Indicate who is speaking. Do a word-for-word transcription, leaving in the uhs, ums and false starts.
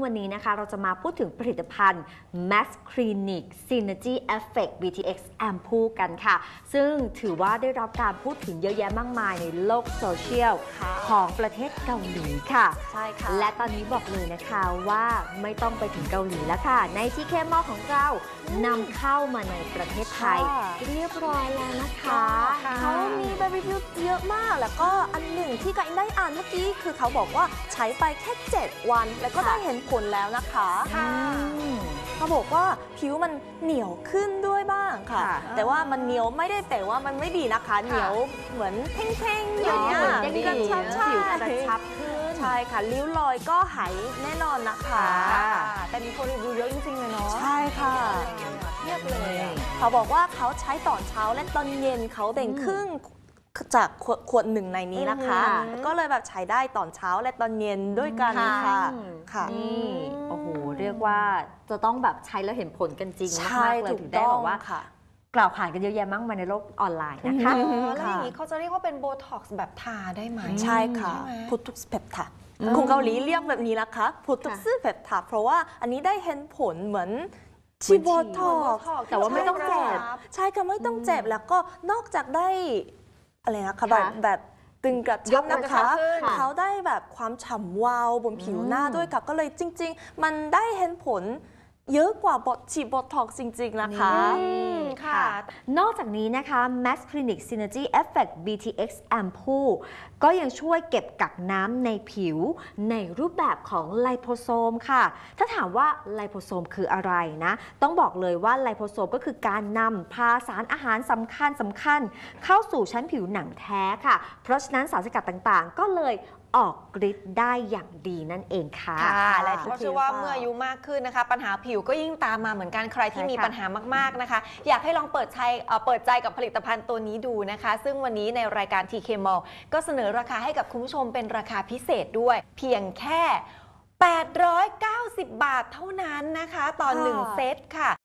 Speaker 1: วันนี้นะคะเราจะมาพูดถึงผลิตภัณฑ์ Max Clinic Synergy Effect บี ที เอ็กซ์ Ampoule กันค่ะซึ่งถือว่าได้รับการพูดถึงเยอะแยะมากมายในโลกโซเชียลของประเทศเกาหลีค่ะ
Speaker 2: ใช่ค่ะ
Speaker 1: และตอนนี้บอกเลยนะคะว่าไม่ต้องไปถึงเกาหลีแล้วค่ะใน ที เค มอล ของเรานำเข้ามาในประเทศไทยเรียบร้อยแล้วนะคะ
Speaker 2: เขามีใบรีวิวเยอะมากแล้วก็อันหนึ่งที่ก็ได้อ่านเมื่อกี้คือเขาบอกว่าใช้ไปแค่เจ็ดวันแล้วก็ได้เห็นผลแล้วนะคะเขาบอกว่าผิวมันเหนียวขึ้นด้วยบ้างค่ะแต่ว่ามันเหนียวไม่ได้แต่ว่ามันไม่ดีนะคะเหนียวเหมือนเพ่งๆอย่างเงี้ย
Speaker 1: เด้งๆ
Speaker 2: กระชับ
Speaker 1: ผิวกระชับขึ้น
Speaker 2: ใช่ค่ะริ้วรอยก็หายแน่นอนนะคะแต่มีคนรีวิวเยอะจริงๆเลยเนาะใช่ค่ะเทียบเลยเขาบอกว่าเขาใช้ตอนเช้าและตอนเย็นเขาแบ่งครึ่งจากขวดหนึ่งในนี้นะคะก็เลยแบบใช้ได้ตอนเช้าและตอนเย็นด้วยกันค่ะค่ะ
Speaker 1: นี่โอ้โหเรียกว่าจะต้องแบบใช้แล้วเห็นผลกันจริงมากๆเลยถึงได้บอกว่ากล่าวขานกันเยอะแยะมากมายในโลกออนไลน์นะคะ
Speaker 3: แล้วอย่างนี้เขาจะเรียกว่าเป็นโบท็อกซ์แบบทาได้ไหม
Speaker 2: ใช่ค่ะพุทุกสเปปทาคนเกาหลีเรียกแบบนี้นะคะพุทุกสเปปทาเพราะว่าอันนี้ได้เห็นผลเหมือนชีโบท็อกซ์
Speaker 1: แต่ว่าไม่ต้องเจ็บ
Speaker 2: ใช่ค่ะไม่ต้องเจ็บแล้วก็นอกจากได้อะไรนะคะแบบแบบตึงกระชับนะคะเขาได้แบบความฉ่ำวาวบนผิวหน้าด้วยค่ะก็เลยจริงๆมันได้เห็นผลเยอะกว่าบอทฉีดโบท็อกซ์จริงๆนะคะ
Speaker 1: ค่ะนอกจากนี้นะคะ Max Clinic Synergy Effect บี ที เอ็กซ์ Ampoule ก็ยังช่วยเก็บกักน้ำในผิวในรูปแบบของไลโพโซมค่ะถ้าถามว่าไลโพโซมคืออะไรนะต้องบอกเลยว่าไลโพโซมก็คือการนำพาสารอาหารสำคัญสำคัญเข้าสู่ชั้นผิวหนังแท้ค่ะเพราะฉะนั้นสารสกัดต่างๆก็เลยออกฤทธิ์ได้อย่างดีนั่นเองค่ะ
Speaker 3: ค่ะและเพราะเชื่อว่าเมื่ออายุมากขึ้นนะคะปัญหาผิวก็ยิ่งตามมาเหมือนกันใครที่มีปัญหามากๆนะคะอยากให้ลองเปิดใจเปิดใจกับผลิตภัณฑ์ตัวนี้ดูนะคะซึ่งวันนี้ในรายการ ที เค มอล ก็เสนอราคาให้กับคุณผู้ชมเป็นราคาพิเศษด้วยเพียงแค่แปดร้อยเก้าสิบบาทเท่านั้นนะคะต่อหนึ่งเซตค่ะ